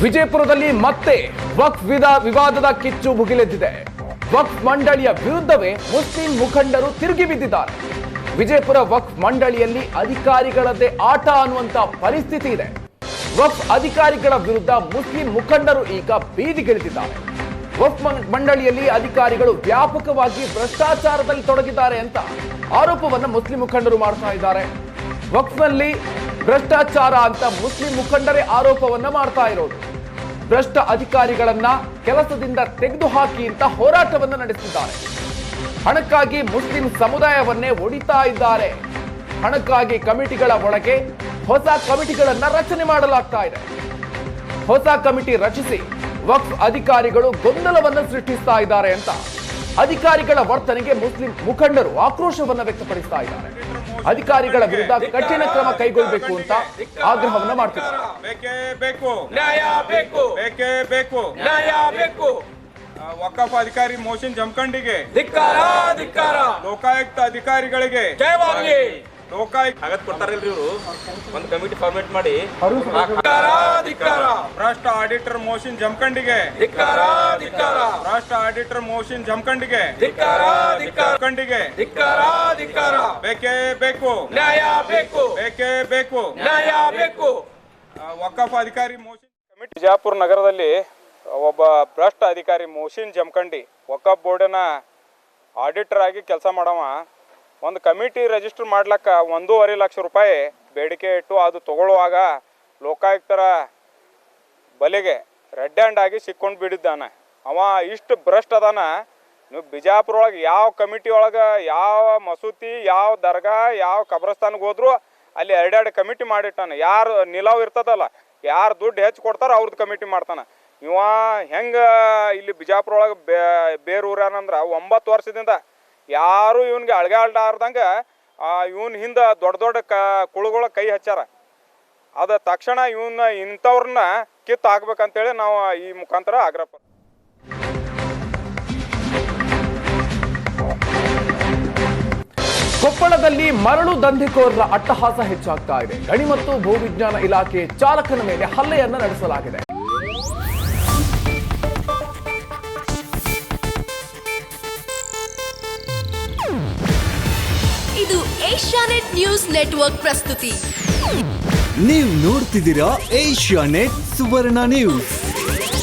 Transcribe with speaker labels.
Speaker 1: ವಿಜಯಪುರದಲ್ಲಿ ಮತ್ತೆ ವಕ್ಫ್ ವಿವಾದದ ಕಿಚ್ಚು ಭುಗಿಲೆದ್ದಿದೆ. ವಕ್ಫ್ ಮಂಡಳಿಯ ವಿರುದ್ಧವೇ ಮುಸ್ಲಿಂ ಮುಖಂಡರು ತಿರುಗಿ ಬಿದ್ದಿದ್ದಾರೆ. ವಿಜಯಪುರ ವಕ್ಫ್ ಮಂಡಳಿಯಲ್ಲಿ ಅಧಿಕಾರಿಗಳದ್ದೇ ಆಟ ಅನ್ನುವಂತ ಪರಿಸ್ಥಿತಿ ಇದೆ. ವಕ್ಫ್ ಅಧಿಕಾರಿಗಳ ವಿರುದ್ಧ ಮುಸ್ಲಿಂ ಮುಖಂಡರು ಈಗ ಬೀದಿಗಿಳಿದಿದ್ದಾರೆ. ವಕ್ಫ್ ಮಂಡಳಿಯಲ್ಲಿ ಅಧಿಕಾರಿಗಳು ವ್ಯಾಪಕವಾಗಿ ಭ್ರಷ್ಟಾಚಾರದಲ್ಲಿ ತೊಡಗಿದ್ದಾರೆ ಅಂತ ಆರೋಪವನ್ನು ಮುಸ್ಲಿಂ ಮುಖಂಡರು ಮಾಡ್ತಾ ಇದ್ದಾರೆ. ವಕ್ಫ್ನಲ್ಲಿ ಭ್ರಷ್ಟಾಚಾರ ಅಂತ ಮುಸ್ಲಿಂ ಮುಖಂಡರೇ ಆರೋಪವನ್ನ ಮಾಡ್ತಾ ಇರೋದು. ಭ್ರಷ್ಟ ಅಧಿಕಾರಿಗಳನ್ನ ಕೆಲಸದಿಂದ ತೆಗೆದುಹಾಕಿ ಅಂತ ಹೋರಾಟವನ್ನ ನಡೆಸಿದ್ದಾರೆ. ಹಣಕ್ಕಾಗಿ ಮುಸ್ಲಿಂ ಸಮುದಾಯವನ್ನೇ ಒಡಿತಾ ಇದ್ದಾರೆ. ಹಣಕ್ಕಾಗಿ ಕಮಿಟಿಗಳ ಒಳಗೆ ಹೊಸ ಕಮಿಟಿಗಳನ್ನ ರಚನೆ ಮಾಡಲಾಗ್ತಾ ಇದೆ. ಹೊಸ ಕಮಿಟಿ ರಚಿಸಿ ವಕ್ಫ್ ಅಧಿಕಾರಿಗಳು ಗೊಂದಲವನ್ನು ಸೃಷ್ಟಿಸ್ತಾ ಇದ್ದಾರೆ ಅಂತ ಅಧಿಕಾರಿಗಳ ವರ್ತನೆಗೆ ಮುಸ್ಲಿಂ ಮುಖಂಡರು ಆಕ್ರೋಶವನ್ನ ವ್ಯಕ್ತಪಡಿಸ್ತಾ ಇದ್ದಾರೆ. ಅಧಿಕಾರಿಗಳ ವಿರುದ್ಧ ಕಠಿಣ ಕ್ರಮ ಕೈಗೊಳ್ಳಬೇಕು ಅಂತ ಆಗ್ರಹವನ್ನ ಮಾಡ್ತಿದ್ದಾರೆ.
Speaker 2: ವಕಫ್ ಅಧಿಕಾರಿ ಮೋಹಸಿನ್ ಜಮಖಂಡಿಗೆ ಲೋಕಾಯುಕ್ತ ಅಧಿಕಾರಿಗಳಿಗೆ
Speaker 3: ಕೊಡ್ತಾರಲ್ರಿ ಇವರು ಒಂದು ಕಮಿಟಿ ಫಾರ್ಮೇಟ್ ಮಾಡಿ
Speaker 2: ಭ್ರಷ್ಟ ಆಡಿಟರ್ ಮೋಹಸಿನ್ ಜಮಖಂಡಿಗೆ ಭ್ರಷ್ಟ ಆಡಿಟರ್ ಮೋಹಸಿನ್ ಜಮಖಂಡಿಗೆ ಬೇಕೇ ಬೇಕು ಬೇಕೇ ಬೇಕು ವಕಫ್ ಅಧಿಕಾರಿ ಮೋಹಸಿನ್ ಕಮಿಟಿ ಬಿಜಾಪುರ ನಗರದಲ್ಲಿ ಒಬ್ಬ ಭ್ರಷ್ಟ ಅಧಿಕಾರಿ ಮೋಹಸಿನ್ ಜಮಖಂಡಿ ವಕಫ್ ಬೋರ್ಡಿನ ಆಡಿಟರ್ ಆಗಿ ಕೆಲಸ ಮಾಡವ ಒಂದು ಕಮಿಟಿ ರಿಜಿಸ್ಟರ್ ಮಾಡ್ಲಕ್ಕ 1.5 ಲಕ್ಷ ರೂಪಾಯಿ ಬೇಡಿಕೆ ಇಟ್ಟು ಅದು ತಗೊಳ್ಳುವಾಗ ಲೋಕಾಯುಕ್ತರ ಬಲೆಗೆ ರೆಡ್ ಹ್ಯಾಂಡ್ ಆಗಿ ಸಿಕ್ಕೊಂಡು ಬಿಡಿದ್ದಾನೆ. ಅವ ಇಷ್ಟು ಭ್ರಷ್ಟ ಅದಾನ. ನೀವು ಬಿಜಾಪುರ ಒಳಗೆ ಯಾವ ಕಮಿಟಿ ಒಳಗೆ ಯಾವ ಮಸೂತಿ ಯಾವ ದರ್ಗಾ ಯಾವ ಕಬ್ರಸ್ತಾನಿಗೆ ಹೋದ್ರು ಅಲ್ಲಿ 2 ಕಮಿಟಿ ಮಾಡಿಟ್ಟಾನೆ. ಯಾರು ನಿಲಾವ್ ಇರ್ತದಲ್ಲ, ಯಾರು ದುಡ್ಡು ಹೆಚ್ಚು ಕೊಡ್ತಾರೋ ಅವ್ರದ್ದು ಕಮಿಟಿ ಮಾಡ್ತಾನೆ. ಇವ ಹೆಂಗೆ ಇಲ್ಲಿ ಬಿಜಾಪುರ ಒಳಗೆ ಬೇರೂರ್ಯಾನಂದ್ರೆ 9 ವರ್ಷದಿಂದ ಯಾರು ಇವನ್ಗೆ ಅಳ್ಗಾಡ್ಲಾರ್ದಂಗೆ ಇವನ್ ಹಿಂದೆ ದೊಡ್ಡ ದೊಡ್ಡ ಕುಳುಗಳ ಕೈ ಹಚ್ಚಾರ. ಅದ ತಕ್ಷಣ ಇವನ್ನ ಇಂಥವ್ರನ್ನ ಕಿತ್ತು ಹಾಕ್ಬೇಕಂತೇಳಿ ನಾವು ಈ ಮುಖಾಂತರ ಆಗ್ರಹ.
Speaker 1: ಕೊಪ್ಪಳದಲ್ಲಿ ಮರಳು ದಂಧೆಕೋರರ ಅಟ್ಟಹಾಸ ಹೆಚ್ಚಾಗ್ತಾ ಇದೆ. ಗಣಿ ಮತ್ತು ಭೂವಿಜ್ಞಾನ ಇಲಾಖೆ ಚಾಲಕನ ಮೇಲೆ ಹಲ್ಲೆಯನ್ನ ನಡೆಸಲಾಗಿದೆ.
Speaker 4: ಇದು ಏಷ್ಯಾನೆಟ್ ನ್ಯೂಸ್ ನೆಟ್ವರ್ಕ್ ಪ್ರಸ್ತುತಿ.
Speaker 5: ನೀವು ನೋಡ್ತಿದ್ದೀರಾ ಏಷ್ಯಾನೆಟ್ ಸುವರ್ಣ ನ್ಯೂಸ್.